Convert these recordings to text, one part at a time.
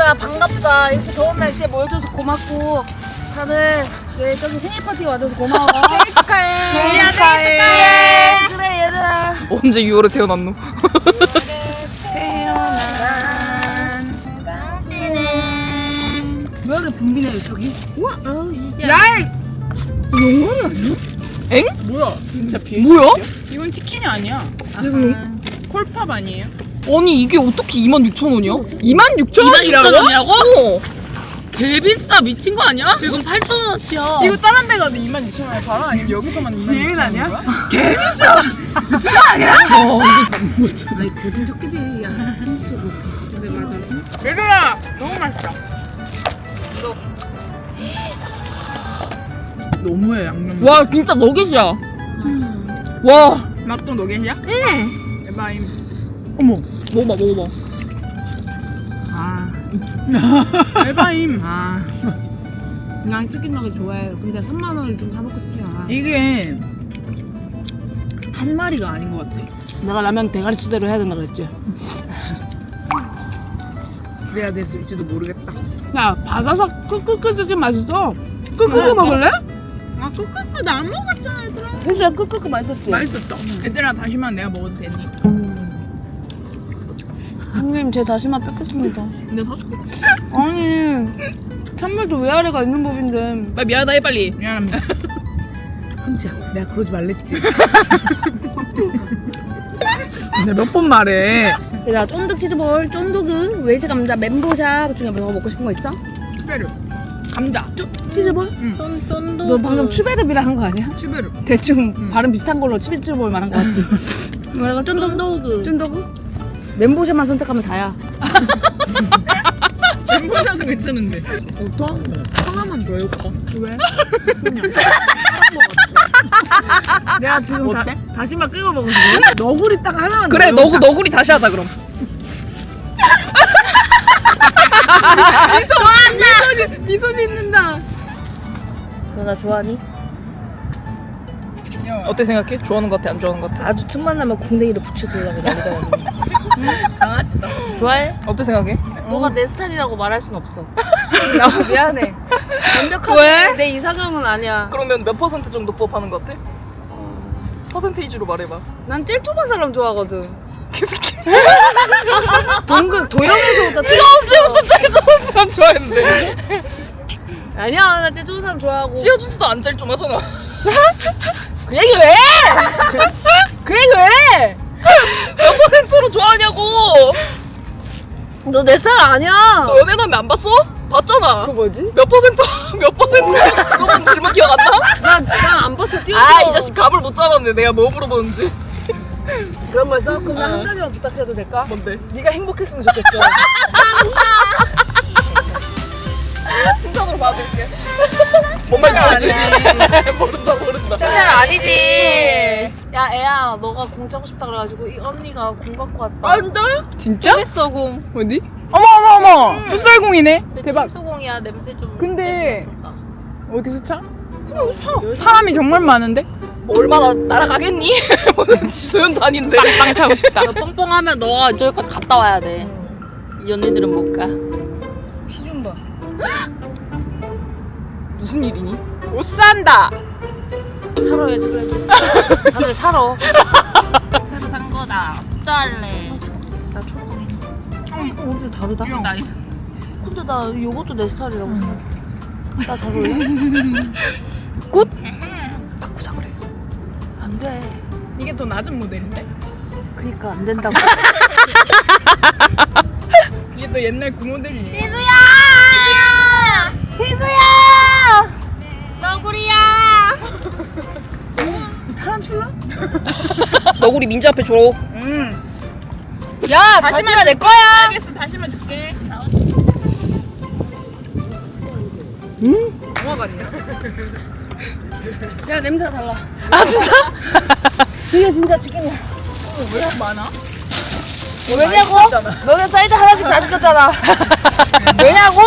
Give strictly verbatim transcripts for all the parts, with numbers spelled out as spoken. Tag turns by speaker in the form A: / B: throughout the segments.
A: 야 반갑다. 이렇게 더운 날씨에 모여줘서 고맙고 다들 네 저기 생일 파티 와줘서 고마워. 생일 축하해.
B: 생일 축하해.
A: 그래 얘들아.
B: 언제 유월에 태어났노?
A: 태어난 당신은 왜 이렇게 붐비네 저기? 우와 어우 진짜.
B: 야!
A: 영원이 아니야?
B: 엥?
C: 뭐야? 진짜 비.
B: 뭐야?
C: 이건 치킨이 아니야. 콜팝 아니에요?
B: 아니 이게 어떻게 이만 육천 원이야? 이만 육천 원이라고?
C: 이만 육천 원이라고?
B: 어.
C: 개비싸 미친 거 아니야? 이건 팔천 원어치야.
D: 이거 다른 데 가도 이만 육천 원에 팔아? 아니면 여기서만 이만
C: 지인
D: 육천
C: 아니야?
D: 원이야?
C: 미친 거 아니야?
B: 어.
A: 아니 거진 척기지. 야.
C: 근데 맞아.
D: 얘들아 너무 맛있다. 너무해 양념.
B: 와 진짜 너겟이야. 와.
D: 맛도 너겟이야?
B: 응.
D: 에바임.
B: 어머. 먹어봐 먹어봐.
D: 아. 에바임.
A: 아. 난 치킨 너겟 좋아해요. 근데 삼만 원을 좀 사 먹고 싶지 않아.
D: 이게 한 마리가 아닌 것 같아.
A: 내가 라면 대가리 수대로 해야 된다 그랬지.
D: 그래야 됐을지도 모르겠다.
A: 야 바사삭 크크크 되게 맛있어. 크크크 먹을래?
D: 아 크크크 나 안 먹었잖아 얘들아.
A: 혜수야 크크크 맛있었지?
D: 맛있었다. 얘들아 다시만 내가 먹어도 되니?
A: 형님 제 다시마 뺏겠습니다.
D: 근데 사줄게.
A: 아니 찬물도 위아래가 있는 법인데.
B: 빨리 미안하다 해 빨리.
D: 미안합니다. 흥지야 내가 그러지 말랬지. 근데 몇 번 말해.
A: 얘들아 쫀득 치즈볼, 쫀득은 외제 감자, 멘보샤 중에 뭐 먹고 싶은 거 있어?
D: 추베르. 감자.
A: 쪼, 치즈볼?
D: 응.
A: 쫀쫀득. 너 방금 추베르비라 한 거 아니야?
D: 추베르.
A: 대충
D: 응.
A: 발음 비슷한 걸로 치즈볼 말한 거 같지? 뭐라고 쫀득? 쫀득? 멘보샤만 선택하면 다야.
D: 엠보샷은 괜찮은데. 어떠? 하나만 더 해볼까? 왜? 그냥.
A: 내가 지금
D: 어때?
A: 다, 다시마 끓여 먹은 거
D: 너구리 딱 하나만
B: 그래
D: 더
B: 너구
D: 해보자.
B: 너구리 다시 하자 그럼.
D: 미소, 미소 짓는다.
A: 너 나 좋아하니?
B: 어때 생각해? 좋아하는 것 같아 안 좋아하는 것 같아?
A: 아주 틈만 나면 궁뎅이를 붙여들려고 난리가 나네.
D: 강아지다.
A: 좋아해?
B: 어때 생각해?
A: 너가 내 스타일이라고 말할 순 없어. 나 미안해. 완벽하게
B: 왜?
A: 내 이상형은 아니야.
B: 그러면 몇 퍼센트 정도 부합하는 것 같아? 퍼센테이지로 말해봐.
A: 난 제일 좁은 사람 좋아하거든. 동근 도영에서부터 제일
B: 언제부터 제일 좋은 사람 좋아했는데?
A: 아니야 나 제일 좋은 사람 좋아하고.
B: 지어주지도 안 제일 좀 하잖아.
A: 그 얘기 왜? 그 얘기 왜?
B: 몇 퍼센트로 좋아하냐고.
A: 너 내 스타일 아니야.
B: 너 연애남매 안 봤어? 봤잖아.
A: 그 뭐지?
B: 몇 퍼센트? 몇 퍼센트? 그건 질문 기억 안 나?
A: 나난안 봤어 뛰어.
B: 아 이 자식 감을 못 잡았네. 내가 뭐 물어보는지.
A: 그런 거였어? 그럼 나
B: 어.
A: 한 가지만 부탁해도 될까?
B: 뭔데?
A: 네가 행복했으면 좋겠어.
B: 칭찬으로 봐줄게. 뭔 말인지 알지? 모른다 모른다.
A: 칭찬 아니지. 야 애야 너가 공 차고 싶다 그래가지고 이 언니가 공 갖고 왔다.
B: 아 진짜?
D: 진짜?
A: 했어 공.
D: 어디? 어머 어머 어머. 풋살공이네. 대박.
A: 수공이야 냄새 좀.
D: 근데 어디서 차?
A: 그래 차.
D: 사람이 정말 많은데?
B: 얼마나 날아가겠니? 지소연 다닌데.
D: 빵 차고 싶다.
C: 너 뻥뻥하면 너가 저기까지 갔다 와야 돼. 이 언니들은 못 가.
B: 피 좀 봐. 무슨 일이니?
D: 못 산다.
A: 사러 해야지 그래도. 다들 사러.
C: 새로 산 거다. 어쩌할래?
A: 나 초록색. 어 이거 옷이 다르다.
C: 나
A: 근데 나 이것도 내 스타일이라고 생각해. 나 잘 어울려?
B: 굿?
A: 바꾸자 그래. 안 돼.
D: 이게 더 낮은 모델인데?
A: 그니까 안 된다고.
D: 이게 또 옛날 구 모델이에요.
A: 희수야! 희수야! 너구리야! 타란툴라?
B: 너구리 민지 앞에 줘로.
D: 음.
A: 야 다시마 내 거야.
D: 알겠어 다시마 줄게.
B: 음?
D: 뭐가 같냐?
A: 야 냄새가 달라.
B: 아 진짜?
A: 이게 진짜 치킨이야.
D: 왜 이렇게 많아?
A: 왜냐고? 너네 사이즈 하나씩 다 시켰잖아. 왜냐고?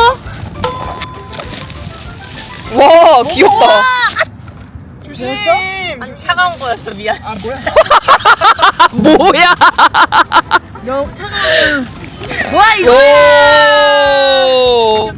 B: 와 귀엽다.
D: 조심.
C: 아니 차가운 거였어 미안.
D: 아 뭐야?
B: 뭐야?
A: 너 차가운 뭐야 이거?
B: 오.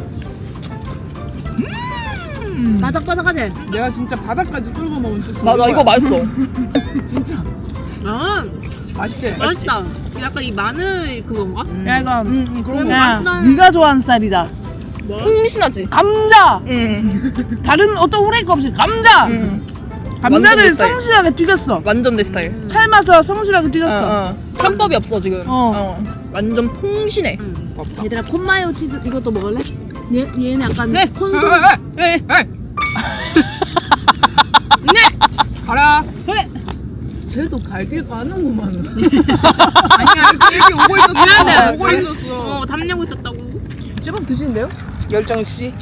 A: 바삭바삭하지?
D: 내가 진짜 바닥까지 끌고 먹을 수 있어.
B: 맞아 이거 맛있어.
D: 진짜
C: 아
D: 맛있지?
C: 맛있다. 약간 이 마늘 그건가?
A: 야 이거
D: 응, 응 그런 거
A: 야,
D: 맛있다.
A: 네가 좋아하는 쌀이다.
B: 풍신하지.
A: 감자.
B: 응.
A: 다른 어떤 후레이크 없이 감자.
B: 응.
A: 감자를
B: 완전 내 스타일.
A: 성실하게 튀겼어.
B: 완전 내 스타일.
A: 삶아서 성실하게 튀겼어.
B: 어, 어. 편법이 없어 지금.
A: 어.
B: 완전 풍신해.
A: 얘들아 콘마요 치즈 이것도 먹을래? 얘 얘는 약간
B: 네.
A: 콘소.
B: 네.
D: 가라. 쟤도 갈 길 가는구만. 아니야 이렇게 얘기 오고 있었어.
C: 미안해.
D: 오고 있었어.
C: 어 담내고 있었다고.
A: 제법 드시는데요? 열정 씨.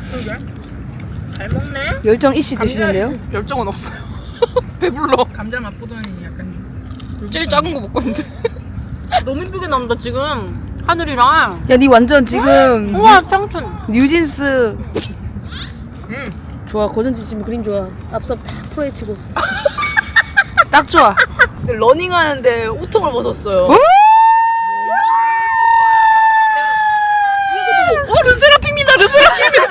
C: 잘 먹네.
A: 열정 이씨 드시는데요?
B: 열정은 없어요. 배불러.
D: 감자 맛보더니 약간
B: 제일 작은 거 먹고 있는데.
C: 너무 이쁘게 나온다 지금. 하늘이랑.
A: 야, 니 완전 지금
C: 우와 청춘.
A: 뉴진스. 좋아, 고전지 지금 그림 좋아. 앞서 팍 프로헤치고. 딱 좋아.
D: 근데 러닝하는데 우통을 벗었어요.
B: 어 르세라핌이다 르세라핌.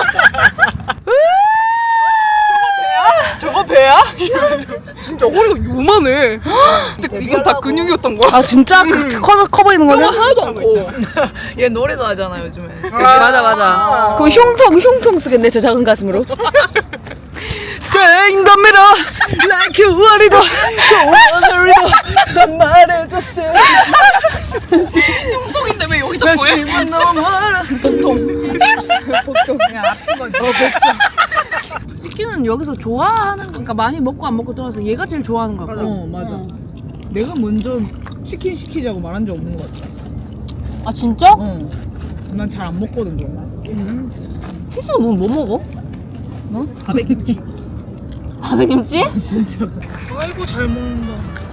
D: 저거 배야?
B: 진짜 허리가 요만해. 근데 이건 다 근육이었던 거야.
A: 아 진짜 그 커, 커 보이는 거는?
B: 하나도 안 커.
D: 얘 노래도 하잖아 요즘에.
A: 맞아 맞아. 그럼 흉통 흉통 쓰겠네 저 작은 가슴으로. 생겁니다. Like you want it, don't worry it. 난 말해줬어.
B: 흉통인데 왜 여기 잡고 해?
A: 심은 너무 많아. 복통. 복통.
D: 그냥 아픈 거지.
A: 치킨은 여기서 좋아하는 거, 그러니까 많이 먹고 안 먹고 떠나서 얘가 제일 좋아하는 거 같고.
D: 어 맞아. 내가 먼저 치킨 시키자고 말한 적 없는 것 같아.
C: 아 진짜?
D: 어. 난 잘 안 먹거든 그런 거.
C: 희수는 뭐, 뭐 먹어?
D: 어?
C: 바베김치. 바베김치?
D: 진짜. 아이고 잘 먹는다.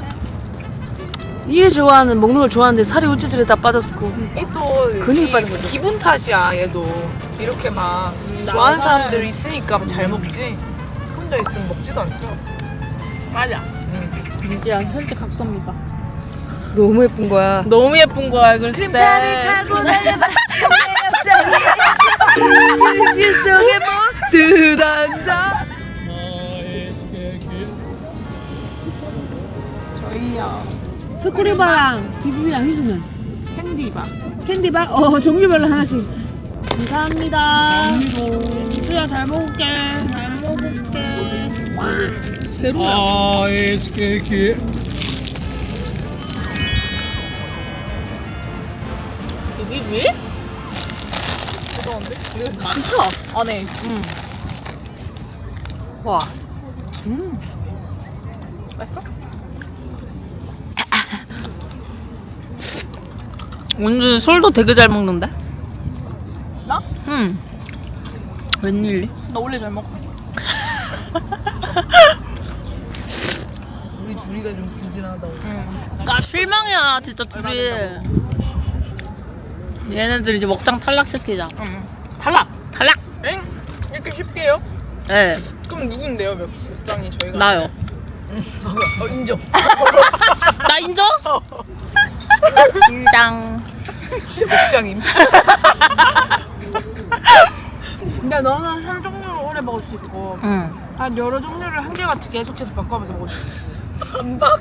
A: 일 좋아하는 먹는 걸 좋아하는데 살이 우찌질에 다 빠졌고.
D: 또
A: 근육이 빠진 거죠.
D: 기분 탓이야 얘도. 이렇게 막 좋아하는 사람들 있으니까 잘 먹지. 혼자 있으면 먹지도 않죠.
C: 맞아. 민지야 현재 각서입니다.
A: 너무 예쁜 거야.
C: 너무 예쁜 거야 글쎄.
A: 타고 달려봐. 길 속에 모두 앉아.
C: 저희야
A: 스크류바랑 비비랑 희수는
C: 캔디바.
A: 캔디바? 어 종류별로 하나씩. 감사합니다. 희수야 잘 먹을게.
C: 잘 먹을게.
A: 와.
D: 아 에스케이크.
C: 비비?
B: 뜨거운데? 근데 많다 안에.
C: 응.
B: 와. 음. 맛있어?
C: 원준 술도 되게 잘 먹는데?
B: 나?
C: 응. 웬일이?
B: 나 원래 잘 먹어.
D: 우리 둘이가 좀 부진하다고.
C: 나 실망이야 진짜 둘이. 얘네들 이제 먹장 탈락시키자.
B: 응.
C: 탈락! 탈락!
B: 엥? 이렇게 쉽게요?
C: 네,
B: 그럼 누군데요? 몇 장이 저희가?
C: 나요.
D: 어, 인정.
C: 나 인정? 인정.
D: 목장임.
A: 근데 너는 한 종류를 오래 먹을 수 있고
C: 응.
A: 한 여러 종류를 한 개같이 계속해서 바꿔가면서 먹을 수 있어.
D: 반박.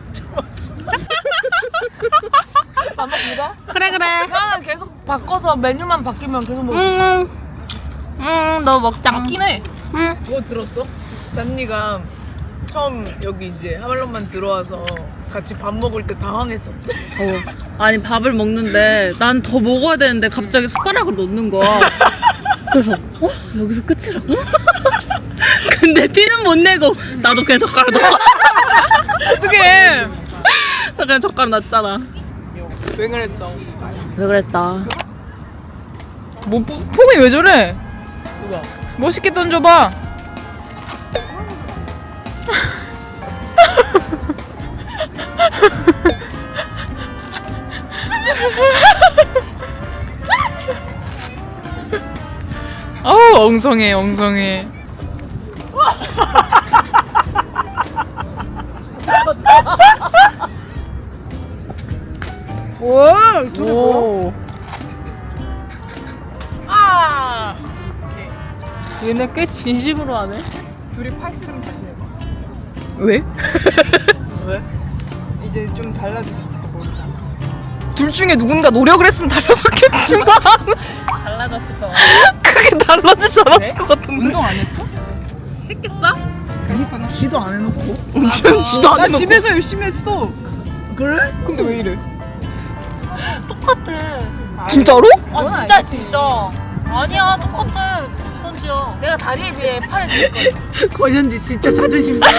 A: 반박보다?
C: 그래 그래.
A: 나는 계속 바꿔서 메뉴만 바뀌면 계속 먹을 수 있어.
C: 응. 응, 너 먹장.
B: 맞긴 해.
C: 응.
D: 그거 들었어? 잔니가 처음 여기 이제 하말론만 들어와서 같이 밥 먹을 때 당황했었대.
C: 어. 아니 밥을 먹는데 난 더 먹어야 되는데 갑자기 숟가락을 놓는 거야. 그래서 어? 여기서 끝이라고? 근데 티는 못 내고 나도 그냥 젓가락 넣어.
B: 어떡해.
C: 나 그냥 젓가락 놨잖아.
B: 왜 그랬어?
C: 왜 그랬다.
B: 뭐 폼- 폼이 왜 저래?
D: 누가?
B: 멋있게 던져봐. 어우 엉성해 엉성해.
A: 와, 저게 뭐야?
B: 오.
C: 근데 꽤 진심으로 하네.
D: 둘이 팔씨름 다시 해봐.
B: 왜?
D: 왜? 이제 좀 달라졌을지도 모르잖아.
B: 둘 중에 누군가 노력을 했으면 달라졌겠지만
C: 달라졌을 거.
B: 크게 달라지지 않았을 것 같은데.
D: 운동 안 했어?
C: 했겠어?
D: 지도 안 해놓고.
B: 지금 지도 안
D: 나
B: 해놓고.
D: 집에서 열심히 했어. 그래?
B: 근데 왜 이래?
C: 똑같아.
B: 진짜로?
C: 아 진짜 진짜. 아니야 똑같아. 현지야.
A: 내가 다리에 비해 팔을 들거든.
D: 권현지 진짜 자존심 상해.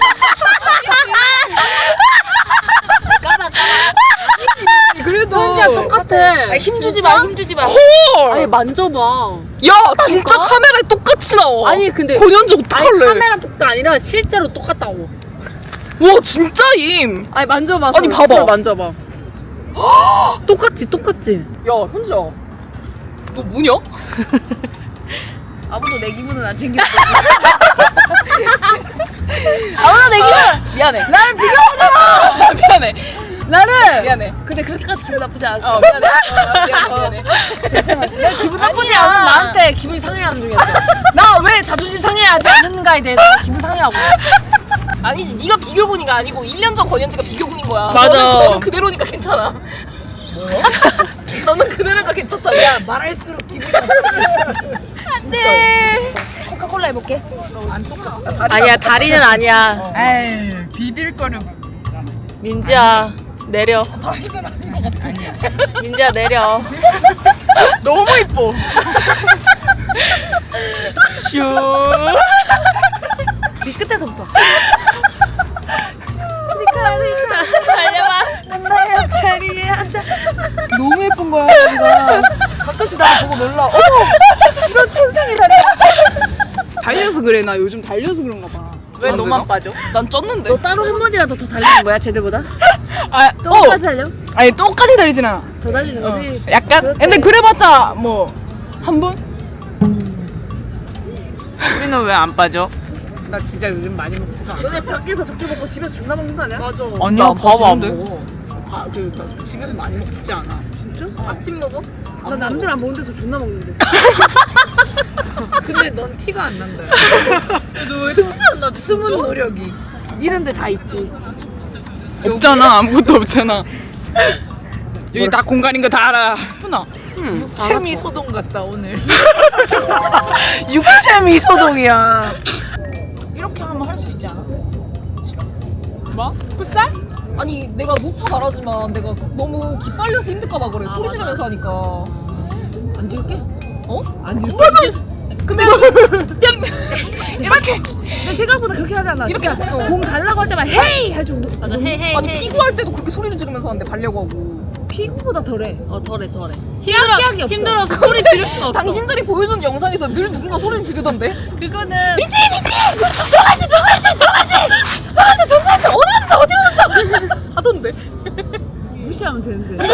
A: 까봐 까봐.
B: 그래도
C: 현지야 똑같아.
A: 아, 힘주지 마 힘주지 마.
B: 헐.
C: 아니 만져봐.
B: 야 진짜 카메라에 똑같이 나와.
C: 아니, 근데-
B: 권현지
C: 아니
B: 어떡할래?
C: 카메라 복도 아니라 실제로 똑같다고.
B: 와 진짜임.
C: 아니 만져봐.
B: 아니,
C: 손,
B: 봐봐.
C: 손 만져봐. 똑같지 똑같지.
B: 야 현지야 너 뭐냐?
A: 아무도 내 기분은 안 챙겼어. 아무도 내 기분.
B: 미안해.
A: 나를 비교하잖아.
B: 미안해.
A: 나를.
B: 미안해.
A: 근데 그렇게까지 기분 나쁘지 않았어.
B: 어 미안해. 어, 미안해. 미안해.
A: 괜찮아. 내가 기분 나쁘지
B: 아니야.
A: 않은 나한테 기분이 상해하는 중이었어. 나 왜 자존심 상해하지 않는가에 대해서 기분 상해하고.
B: 아니지 네가 비교군이가 아니고 일 년 전 권현지가 비교군인 거야.
C: 맞아.
B: 너는, 너는 그대로니까 괜찮아. 뭐? 너는 그대로니까 괜찮다. 야
D: 말할수록 기분이
A: 안돼. 코카콜라 해볼게.
D: 안 똑같아.
C: 아니야 다리는 아니야.
D: 에이 비빌 거는
C: 민지야 내려. 민지야 내려.
B: 너무 이뻐.
C: 슈.
A: 뒤 끝에서부터.
C: 달려봐.
A: 나의 앞자리에 앉아.
D: 너무 예쁜 거야 여기가.
A: 가끔씩 나를 보고 놀라. 어머
D: 이런 천상이다니.
B: 달려서 그래. 나 요즘 달려서 그런가 봐.
D: 왜
B: 안
D: 너만
B: 되나?
D: 빠져?
B: 난 쪘는데.
A: 너 따로 한 번이라도 더 달리는 거야 쟤들보다?
B: 아,
A: 똑같이 달려?
B: 아니 똑같이 달리진 않아.
A: 더 달리는 거지?
B: 약간.
A: 그렇대.
B: 근데 그래봤자 뭐 한 번?
D: 우리는 왜 안 빠져? 나 진짜 요즘 많이 먹지도 않아.
A: 너네 밖에서 적게 먹고 집에서 존나 먹는 거 아니야?
D: 맞아.
B: 아니야, 봐봐, 안
D: 먹어. 바, 그, 나 집에서 많이 먹지 않아.
A: 진짜?
C: 아침 먹어?
A: 나 남들 안 먹는 데서 존나 먹는데.
D: 근데 넌 티가 안 난다. 너왜 티가 안 나? 숨은 노력이.
A: 이런 데 다 있지.
B: 없잖아. 아무것도 없잖아. 여기 다 공간인 거 다 알아. 예쁘나?
D: 육체미 소동 같다 오늘. 육체미 소동이야. 이렇게 하면 할 수 있지 않아?
B: 뭐? 풋살? 아니 내가 녹차 잘하지만 내가 너무 기빨려서 힘들까봐 그래. 소리 지르면서 하니까.
D: 안 지울게?
B: 어?
D: 안 지울게?
B: 근데 이렇게
A: 근데 생각보다 그렇게 하지 않아.
B: 이렇게
A: 진짜 공 달라고 할 때만 헤이 할 정도.
C: 맞아 헤헤.
B: 아니 피구할 때도 그렇게 소리를 지르면서 하는데 발려고 하고.
A: 피구보다 덜해.
C: 어 덜해 덜해.
A: 깜짝이 없어.
C: 힘들어서 소리 지를 수가 없어.
B: 당신들이 보여준 영상에서 늘 누군가 소리를 지르던데.
C: 그거는
B: 미치 미치 들어가지 들어가지 들어가지 들어가지 들어가지 어디 갔다 어디 갔다 하던데.
A: 무시하면 되는데.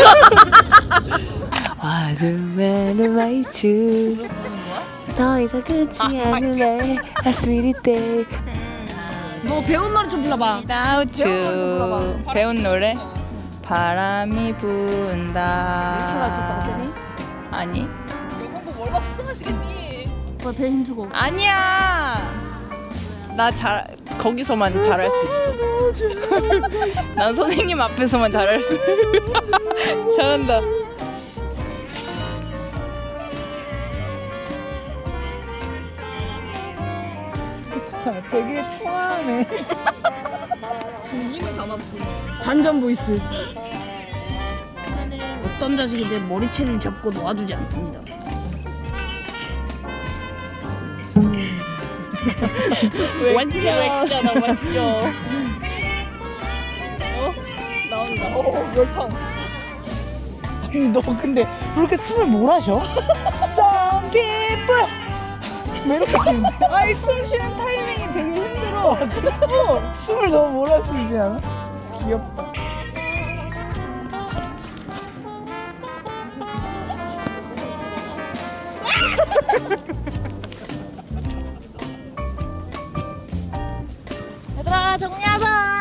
E: 어둠에는 마이츠 더 이상 끝이 않을래 A sweet day
A: 너 배운 노래 좀 불러봐.
F: Without you 배운 노래 바람이 분다
A: 멘트를 쳤다고 쌤이?
F: 아니
B: 영상 보고 얼마나 속상하시겠니.
A: 왜 배 힘주고.
F: 아니야 나 잘 거기서만 잘할 수 있어 난 선생님 앞에서만 잘할 수 잘한다
D: 되게 청아하네.
B: 진심을 담았고.
A: 반전 보이스.
C: 어떤 자식이 내 머리채를 잡고 놓아두지 않습니다. 완전 완전아 완전. 어? 나온다.
B: 어 열창.
D: 아니 너 근데 그렇게 숨을 몰아셔? Some people 왜 이렇게 쉬는데? 아니 숨 쉬는 타이밍이 되게 힘들어. 어, 숨을 너무 몰아쉬지 않아? 귀엽다.
A: 얘들아 정리하자.